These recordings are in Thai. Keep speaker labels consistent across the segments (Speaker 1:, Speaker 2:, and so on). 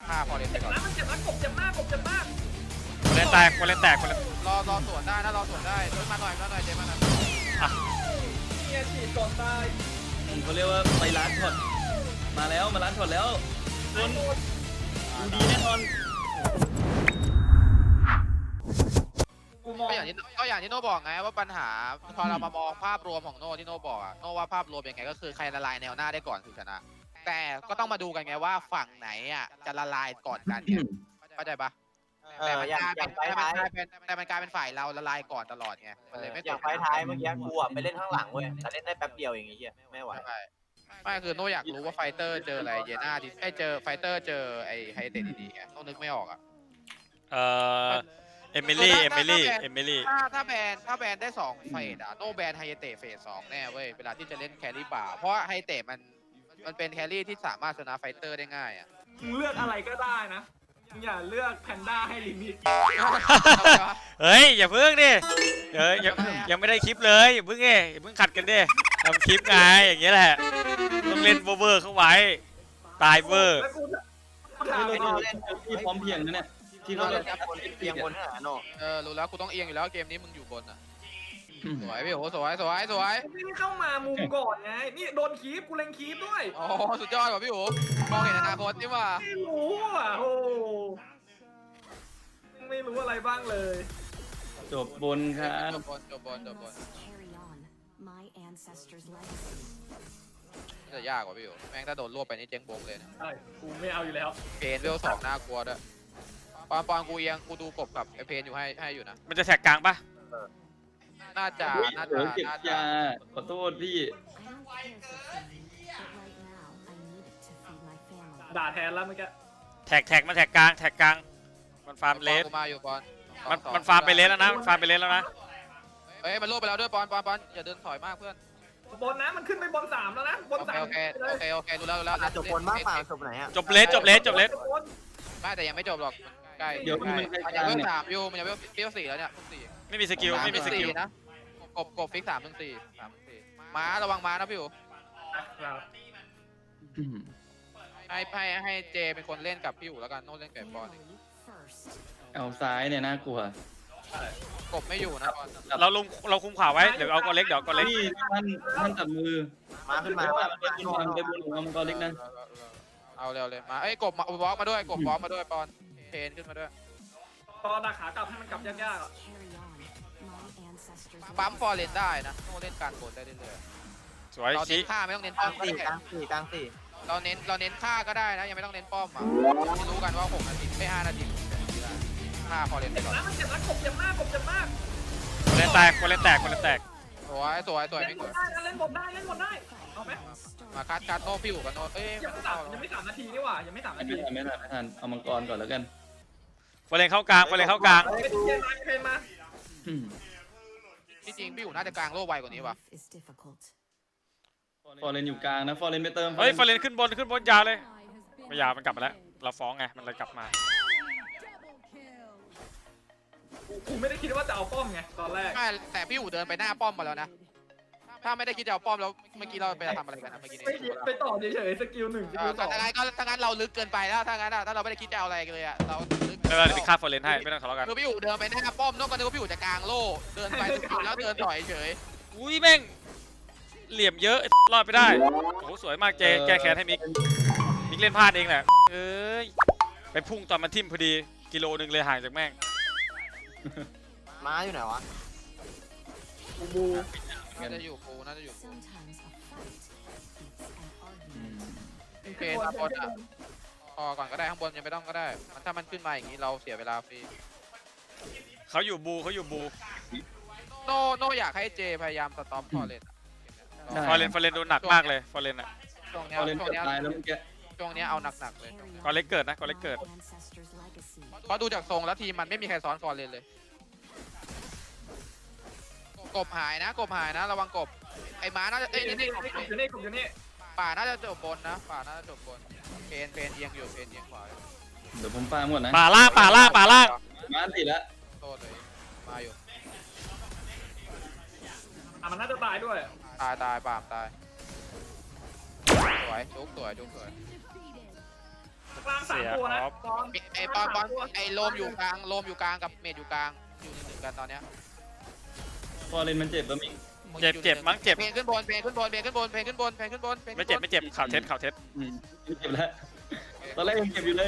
Speaker 1: ฆ่าพอเล่นไปก่อน
Speaker 2: มันเจ็บนะกบเจ็บมากกบเจ็บมาก
Speaker 3: คนเล่นแตกคนเล่นแตกคนเล่น
Speaker 1: รอสวนได้นะรอสวนได้มาหน่อยเจมาหน่อย
Speaker 2: เนี่ยฉีดก่อนตาย
Speaker 4: เขาเรียกว่าไปร้านช็อตมาแล้วมาร้านช็อตแล้วคนดูดีแน่นอน
Speaker 2: กูมอง
Speaker 1: ก็อย่างที่โน่บอกไงว่าปัญหาพอเรามามองภาพรวมของโน่ที่โน่บอกอะโน่ว่าภาพรวมยังไงก็คือใครละลายแนวหน้าได้ก่อนคือชนะแต่ก็ต้องมาดูกันไงว่าฝั่งไหนอ่ะจะละลายก่อนกันเนี่ยเข้าใจปะแต่มันกลายเป็นฝ่ายเราละลายก่อนตลอดไงมันเลยไม่
Speaker 5: อย่างไฟท้ายเมื่อกี้กูอ่ะไปเล่นข้างหลังเว้ยแต่เล่นได้แป๊บเดียวอย่างงี้ไม่ไหว
Speaker 1: ไม่คือโน่อยากรู้ว่าไฟเตอร์เจออะไรเยน่าที่เจอไฟเตอร์เจอไอ้ไฮเตดดีๆไงโน่นึกไม่ออกอ่ะ
Speaker 3: เอมิลี่
Speaker 1: ถ้าแบนได้2เฟสอะโนแบนไฮเตะเฟส2แน่เว้ยเวลาที่จะเล่นแครี่ป่าเพราะไฮเตะมันเป็นแครี่ที่สามารถชนะไฟเตอร์ได้ง่ายอะ
Speaker 2: มึงเลือกอะไรก็ได้นะมึงอย่าเลือกแพนด้าให้ลิมิต
Speaker 3: เฮ้ยอย่าเพิ่งดิยังไม่ได้คลิปเลยอย่าเพิ่งอย่าเพิ่งขัดกันดิทำคลิปไงอย่างเงี้ยแหละต้องเล่นเวอร์เข้าไว้ตายเวอร์
Speaker 2: แล้วกู
Speaker 4: เราเล่นที่พร้อมเพียงนะเนี่ยที่เราเล่น
Speaker 5: เพียงบนน่ะโน
Speaker 1: รู้แล้วกูต้องเอียงอยู่แล้วเกมนี้มึงอยู่บนอะสวยพี่โอ้สวย
Speaker 2: ไม่เข้ามามุมก่อนไงนี่โดนคีบกูเล็งคีบด้วย
Speaker 1: โอ้สุดยอดว่ะพี่โอ้มองเห็นอนาคตนี่ว่า
Speaker 2: ไม่รู้อ่ะโอ้ไม่รู้อะไรบ้างเลย
Speaker 4: จบบนครับ
Speaker 1: จบบน
Speaker 6: Carry on my ancestors' legacy.
Speaker 1: จะยากกว่าพี่โอ้แม่งถ้าโดนรวบไปนี่เจ๊งบงเลยนะ
Speaker 2: ใช่กูไม่เอาอยู่แล้ว
Speaker 1: เพนเวล2น่ากลัวด้วยปอนกูเอียงกูดูกบกับไอเพนอยู่ให้อยู่นะ
Speaker 3: มันจะแท็กกลางปะ
Speaker 1: น่าจะ
Speaker 4: เก็บยาขอโทษพี่
Speaker 6: I don't care for food, but right now I need it to feed my family.
Speaker 2: ด่าแทนแล้วเมื่อกี้
Speaker 3: แท็กมาแท็กกลางมันฟาร์มเลส
Speaker 1: กูมาอยู่ปอน
Speaker 3: มันฟาร์มไปเลสแล้วนะฟาร์มไปเลสแล้วนะ
Speaker 1: เฮ้ยมันรวบไปแล้วด้วยปอนอย่าเดินถอยมากเพื่อน
Speaker 2: บนนะมันขึ้นไปบน3แล้วนะบน
Speaker 1: โอเค
Speaker 2: 3
Speaker 1: โอเครู้แล้ว
Speaker 5: จบบนมากกว่าจบไหนอ่ะ
Speaker 3: จบเลส
Speaker 1: ไม่แต่ยังไม่จบหรอกใกล้
Speaker 4: เดี๋ยวมัน
Speaker 1: มันยังเวล3อยู่มันยังเวล4แล้วเนี่ย4
Speaker 3: ไม่มีสกิล
Speaker 1: นะกบฟิก3-4ม้าระวังม้านะพี่อู๋ให้เจเป็นคนเล่นกับพี่อู๋แล้วกันโน้ตเล่นกับปอน
Speaker 6: First,
Speaker 4: เอาซ้ายเนี่ยน่ากลัว
Speaker 1: กบไม่อยู่นะปอน
Speaker 3: เราคุมขวาไว้เดี๋ยวเอากอเล็ก
Speaker 4: นี่ท่านจับมือ
Speaker 5: มาขึ้นมา
Speaker 4: ไปบนของมังกรเล็กนะ
Speaker 1: เอาเร็วเลยมากบวอล์กมาด้วยกบวอล์กมาด้วยปอนเพนขึ้นมาด้วย
Speaker 2: ตอนดักขากลับให้มันกลับยากๆอ่ะ
Speaker 6: carry on my ancestors'
Speaker 1: ปั๊ม
Speaker 6: legacy.
Speaker 1: ฟอร์เรนได้นะโน้ตเล่นการบนได้เรื่อย
Speaker 3: สวย
Speaker 1: ๆเรา
Speaker 3: ชี้
Speaker 1: เน้นฆ่าไม่ต้องเน้น
Speaker 5: ก
Speaker 1: ป้
Speaker 5: ลา
Speaker 1: อม
Speaker 5: ง
Speaker 1: ก็
Speaker 5: สี่
Speaker 1: ได้
Speaker 5: กลางสี่
Speaker 1: เราเน้นฆ่าก็ได้นะยังไม่ต้องเน้นป้อมอ่ะรู้กันว่า6 นาทีไม่5 นาทีฆ่าฟอร์เรนไปก่อน
Speaker 2: มันเจ็บนะกบเจ็บมากกบเจ็บมาก
Speaker 3: คนเล่นแตก
Speaker 1: สวยไม่
Speaker 2: เล่น
Speaker 1: ส
Speaker 2: บ
Speaker 1: วย
Speaker 2: นได้นะเล่นบนได้เอาไหม
Speaker 1: มาคัดโน้พี่อู๋กับโน้เอ้ย
Speaker 2: ยังไม่3 นาทีนี่หว่ายังไม่3 นาที
Speaker 4: ไม่ทันเอามังกรก่อนแล้วกัน
Speaker 3: ฟอร์เรนเข้ากลาง
Speaker 2: เป็นเพนมา
Speaker 1: ที่จริงพี่อู๋น่าจะกลางโล่ไวกว่านี้ว่ะ
Speaker 6: Life is difficult.
Speaker 4: ฟอร์เรนอยู่กลางนะฟอร์เรนไปเติม
Speaker 3: เฮ้ยฟอร์เรนขึ้นบนยาวเลยไม่ยาวมันกลับมาแล้วเราฟ้องไงมันเลยกลับมา
Speaker 2: กูไม่ได้คิดว่าจะเอาป้อมไงตอนแรก
Speaker 1: ไม่แต่พี่อู๋เดินไปหน้าป้อมมาแล้วนะถ้าไม่ได้คิดจะเอาป้อมแล้วเมื่อกี้เราไปทำอะไรกันนะเมื่อกี้นี้
Speaker 2: ไปต่อเฉยๆสกิล1สกิล
Speaker 1: ถ้างั้นเราลึกเกินไปแล้วถ้างั้นถ้าเราไม่ได้คิดจะเอาอะไรเลยอ่ะเราลึก
Speaker 3: เดี๋ยวพี่ฆ่าฟอร์เรนให้ไม่ต้องทะเลาะกัน
Speaker 1: คือพี่อู๋เดินไปหน้าป้อมนอกจากนึกว่าพี่อู๋จะกลางโล่เดินไปแล้วเดินถอยเฉย
Speaker 3: อุ้ยแม่งเหลี่ยมเยอะรอดไปได้โอ้สวยมากเจแก้แค้นให้มิกเล่นพลาดเองแหละเอ้ยไปพุ่งตอนมันทิ่มพอดีกิโลนึงเลยห่างจากแม่ง
Speaker 5: ม้าอยู่ไหนวะ
Speaker 2: บู
Speaker 1: น่าจะอยู่ปูน่าจะอยู่ปู
Speaker 6: Sometimes a fight beats an argument.
Speaker 1: เพนมาบนอ่ะพอก่อนก็ได้ข้างบนยังไม่ต้องก็ได้มันถ้ามันขึ้นมาอย่างนี้เราเสียเวลาฟรี
Speaker 3: เขาอยู่บู
Speaker 1: โนอยากให้เจพยายามสต็อปฟอร์เรน
Speaker 3: ฟอร์เรนโดนหนักมากเลยฟอร์เรนอ่ะ
Speaker 1: ช่วงเนี้
Speaker 4: ฟอร์เรนเกือบตายแล้วเมื่อกี้
Speaker 1: เอาหนักๆเลย
Speaker 6: Carry
Speaker 3: กอเล็กเกิดนะกอเล็ก
Speaker 6: on
Speaker 3: เกิด
Speaker 6: my ancestors' legacy.
Speaker 1: เพราะดูจากทรงแล้วทีมมันไม่มีใครซ้อนฟอร์เรนเลยกบหายนะระวังกบไอ้ม้าน่าจะเอ้ยนี่
Speaker 2: อยู่นี่
Speaker 1: ป่าน่าจะจบบนนะป่าน่าจะจบบนเพนเอียงอยู่เพนเอียงขวา
Speaker 4: เดี๋ยวผมฟาร์มก่อนนะ
Speaker 3: ป่าล่าง
Speaker 4: มาสิแล้ว
Speaker 1: โทษเลยมาอยู่
Speaker 2: มันน่าจะตายด้วย
Speaker 1: ตายป่ามตายสวยจุกสวย
Speaker 2: กลางสามตัวนะปอน
Speaker 1: ไอ้ปอนไอ้โลมอยู่กลางโลมอยู่กลางกับเมดอยู่กลางอยู่หนึ่งกันตอนเนี้ย
Speaker 4: พอเลนมันเจ็บปะมิง
Speaker 3: เจ็บมั้งเจ็บ
Speaker 1: เพลงขึ้นบนเพลงขึ้นบนเพลงขึ้นบนเพลงขึ้นบนเพลงขึ้นบน
Speaker 3: ไม่เจ็บไม่เจ็บข่าวเท็จข่าวเท็จ
Speaker 4: เจ็บแล้วตอนแรกยังเจ็บอยู่เลย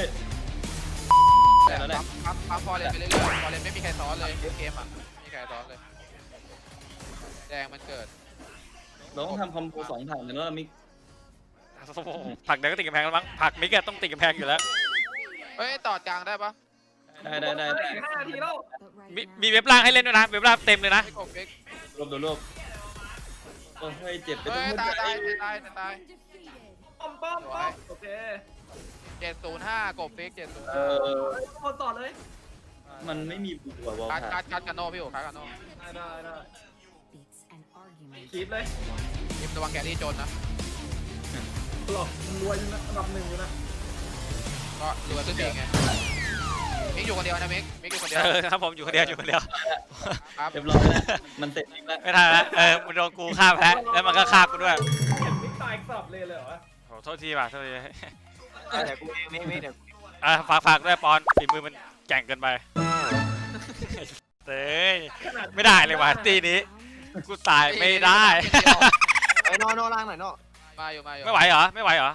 Speaker 1: ปั๊มฟอร์เรนไปเรื่อยๆฟอร์เรนไม่มีใครซ้อนเลยเกมอ่ะไม่มีใครซ้อนเลยแดงมันเกิด
Speaker 4: เราต้องทำคอมโบ2ถังเลยแล้วมิก
Speaker 3: ผักเดี๋ยวก็ติดกำแพงแล้วมั้งผักมิกอะต้องติดกำแพงอยู่แล้ว
Speaker 1: เฮ้ยตอดกลางได้ปะ
Speaker 4: ได้
Speaker 2: 5 นาทีแล้ว
Speaker 6: But right
Speaker 3: มี
Speaker 6: now,
Speaker 3: เว็บล่างให้เล่นด้วยนะเว็บล่างเต็มเลยนะ
Speaker 1: ไม่กบเบก
Speaker 4: รวบโดนรวบโอ้ยเจ็บไป
Speaker 1: เฮ้
Speaker 4: ทั้
Speaker 1: ย
Speaker 4: งหมด
Speaker 1: ตาย
Speaker 2: ป้อมโอเค
Speaker 1: 705กบเบก
Speaker 2: คนต่อเลย
Speaker 4: มันไม่มีบุกว่ะวอล
Speaker 1: 705
Speaker 4: คา
Speaker 1: คัดกันโนพี่โอ๋คัดกันโน
Speaker 2: ได้
Speaker 6: it's an argument.
Speaker 2: คีบเลย
Speaker 1: ยิมระวังแกรี่โจนนะ
Speaker 2: หลอกรวยนะอันดับ1อยู่นะ
Speaker 1: ก็รวยขึ้นเองไงมิกอยู่คนเดียวนะมิกอยู่คนเดียว
Speaker 3: ครับผมอยู่คนเดียวอยู่คนเดียว
Speaker 1: ครับ
Speaker 4: เรียบร้อยแล้วมันเสร็จแล้ว
Speaker 3: ไม่ทันแล้วมันโดนกูฆ่าไปแล้วมันก็ฆ่ากูด้วย
Speaker 2: เห็นมิกตายสับเลยเหรอ
Speaker 3: โอ้โทษทีว่ะโทษที
Speaker 5: เดี๋ยวกูเองไม่เดี๋ยวกู
Speaker 3: ฝากด้วยปอนฝีมือมันแก่งเกินไปเต้ยไม่ได้เลยว่ะตีนี้กูตายไม่ได้
Speaker 5: ไอ้โนล่างหน่อยโน
Speaker 1: มาอยู่
Speaker 3: ไม่ไหวเหรอไม่ไหวเหรอ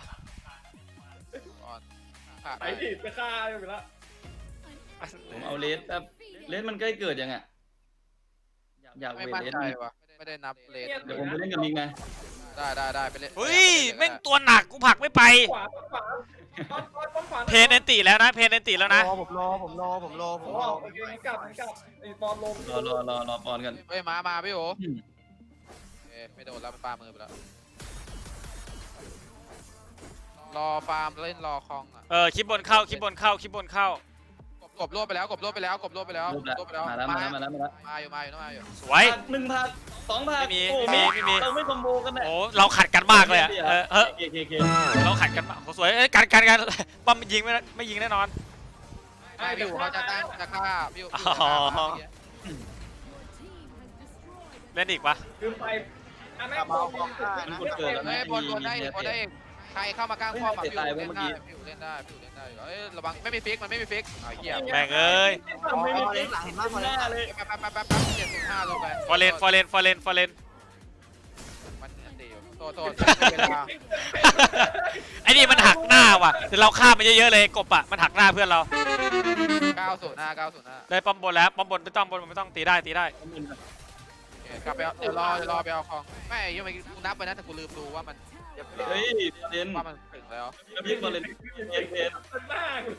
Speaker 2: ไปดิไปฆ่าอยู่แล้ว
Speaker 4: ผมเอาเลสแบบเลสมันใกล้เกิดยังอ่ะอยาก
Speaker 1: ไม่
Speaker 4: เวท
Speaker 1: มั่น
Speaker 4: เลส
Speaker 1: ใจว่ะไม่ได้นับเลน
Speaker 4: เดี๋ยวผมไปเล่นกับมิกนะ
Speaker 1: ได้ไปเล่น
Speaker 3: เฮ้ยแม่งตัวหนักกูผลักไม่ไป
Speaker 2: ขวาขวา
Speaker 3: เพนเอนติแล้วนะเพนเอนติแล้วนะ
Speaker 5: ผมรอ
Speaker 2: โอเคกลับไอ้ปอนลม
Speaker 4: รอปอนกัน
Speaker 1: เฮ้ยมาพี่โอ๋ไม่โดนแล้วมันปามือไปแล้วรอฟาร์มเล่นรอคองอ่ะ
Speaker 3: คลิปบนเข้าคลิปบนเข้าคลิปบนเข้าก
Speaker 1: บรวบไปแล้วมาแล้ว มาอยู่
Speaker 3: สวย
Speaker 4: 1 ผัก 2 ผัก
Speaker 3: ไม่มี
Speaker 4: โอ้
Speaker 3: ไม่มี
Speaker 4: เราไม่คอมโบกันแน่
Speaker 3: โอ้เราขัดกันมากเลยอะ
Speaker 4: เค
Speaker 3: เราขัดกันมากโอ้สวยกันปั๊มยิงไม่ยิงแน่นอน
Speaker 1: ไม่พี่อยู่เขาจะตั้งจะฆ่าพี่อยู่
Speaker 3: เล่นอีกปะ
Speaker 2: คือไปอันนั้น
Speaker 1: เฮ้ยบนได้อีกใครเข้ามากลางป้อมพี่อยู่เล่นได้พี่อยู่เล่นได้เฮ้ยระวังไม่มีฟิกมันไม่มีฟิกเหี้ย
Speaker 3: แม่งเอ้ย
Speaker 5: ไม่มีเล่นหลังเห็นมากพอ
Speaker 4: หน้า
Speaker 5: แล้ว
Speaker 4: เลย
Speaker 1: แป๊บ705ลงไป
Speaker 3: ฟอร์เรน
Speaker 1: มันดีอยู่โทษเวลา
Speaker 3: ไอ้นี่มันหักหน้าว่ะแต่เราฆ่ามันเยอะๆเลยกบอ่ะมันหักหน้าเพื่อนเรา
Speaker 1: 905
Speaker 3: ได้ป้อมบนแล้วป้อมบนไม่ต้องตีได้
Speaker 1: กลับไปเดี๋ยวรอไปเอาของไม่ยังไม่กูนับไปนะแต่กูลืมดูว่ามัน
Speaker 4: เฮ้ยเล่น
Speaker 1: ว่ามันถึงแล้ว
Speaker 4: พี่บอลเล่นเกม
Speaker 2: หน้าเลย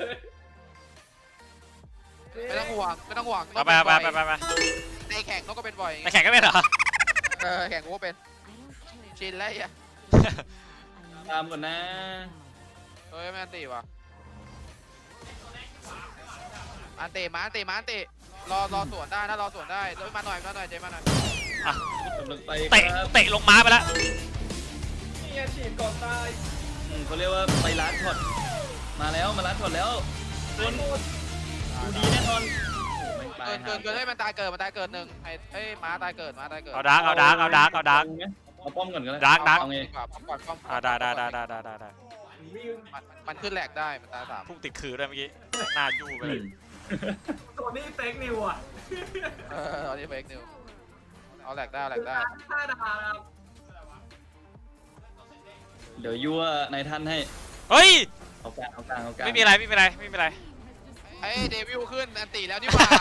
Speaker 1: ไม่ต้องห่วง
Speaker 3: ไป
Speaker 1: ในแข่งนกก็เป็นบ่อย
Speaker 3: ในแข่งก็ไม่เหรอ
Speaker 1: แข่งกูก็เป็น
Speaker 6: I don't care.
Speaker 1: ชินแล้วอ่ะ
Speaker 4: ตามก่อนนะ
Speaker 1: เฮ้ยไม่อันตีว่ะอันตีมา รอสวนได้นะรอสวนได้เฮ้ยมาหน่อยเจมาหน่อย
Speaker 4: กำลังไป
Speaker 3: เตะลงม้าไปแล้ว
Speaker 2: นี่ฉีดก่อนตาย
Speaker 4: เขาเรียกว่าไปร้านช็อตมาแล้วมาร้านช็อตแล้วคนดูดีแน่นอน
Speaker 1: เกินให้มันตายเกิดหนึ่งเฮ้ยม้าตายเกิด
Speaker 3: เอาดาร์ก
Speaker 4: เอาป้อมก่อนก็ได้
Speaker 3: ดาร์ก
Speaker 1: เอาไงป้อม
Speaker 3: ได้
Speaker 1: มันขึ้นแหลกได้มันตาย3
Speaker 3: พุ่งติดขื่อด้วยเมื่อกี้หน้ายู่ไปเลย
Speaker 2: ตัวนี้เฟกนิวอ่ะ
Speaker 1: ตอนนี้เฟกนิวเอาแหลกได้
Speaker 2: 5 ดาว
Speaker 4: เดี๋ยวยั่วนายท่านให้
Speaker 3: เฮ้ย
Speaker 4: เอากลาง
Speaker 3: ไม่มีอะไร
Speaker 1: ไอ้เดวิลขึ้นอันตีแล้วนี่หว่า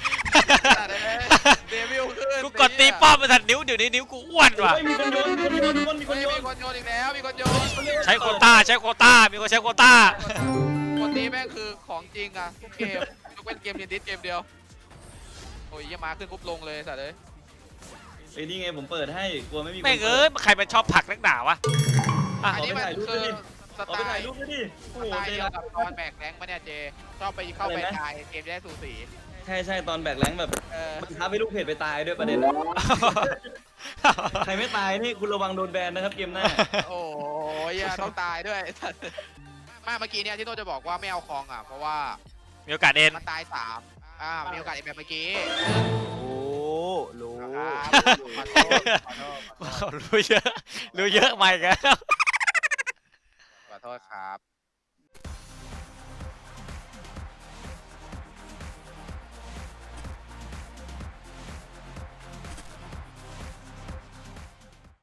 Speaker 1: เดวิลขึ้น
Speaker 3: กูกดตีป้อมไปทันนิ้วเดี๋ยวนี้นิ้วกูอ้วนว่ะ
Speaker 4: มีคนโยน
Speaker 1: มีคนโยนอีกแล้วมีคนโยน
Speaker 3: ใช้โควต้ามีคนใช้โควต้า
Speaker 1: คนนี้แม่งคือของจริงอะทุกเกมยกเว้นเกมดิสเกมเดียวโอ้ยยังมาขึ้นปุ๊บลงเลยสัตว์เลย
Speaker 4: ไอ้นี่ไงผมเปิดให้กลัวไม่มีคน
Speaker 3: แม่งเอ้ยใครมันชอบผลักนักหนาวะ
Speaker 1: อันนี้มันคือส
Speaker 4: เอา
Speaker 1: ไต
Speaker 4: ไปถ่าย
Speaker 1: ล์
Speaker 4: รูปด้วยดิ
Speaker 1: ส
Speaker 4: โอ้โห
Speaker 1: ไตล์
Speaker 4: เจ
Speaker 1: เดียว
Speaker 4: รั
Speaker 1: กับตอนแบกแรงปะเนี่ยเจชอบไปเข้าไปตายเกมได้สูสี
Speaker 4: ใช่ตอนแบกแรงแบบมันท้าให้ลูกเพจไปตายด้วยประเด็นใครไม่ตายนี่คุณระวังโดนแบนนะครับเกมหน้า
Speaker 1: โอ้ยต้องตายด้วยเมื่อกี้เนี่ยที่โน้จะบอกว่าไม่เอาคองอ่ะเพราะว่า
Speaker 3: มีโอกาสเอ็น
Speaker 1: มันตาย3มีโอกาสแบบเมื่อกี้
Speaker 5: โอ้รู้
Speaker 1: ขอโทษ
Speaker 3: รู้เยอะไหมกัน
Speaker 1: ขอโทษครับ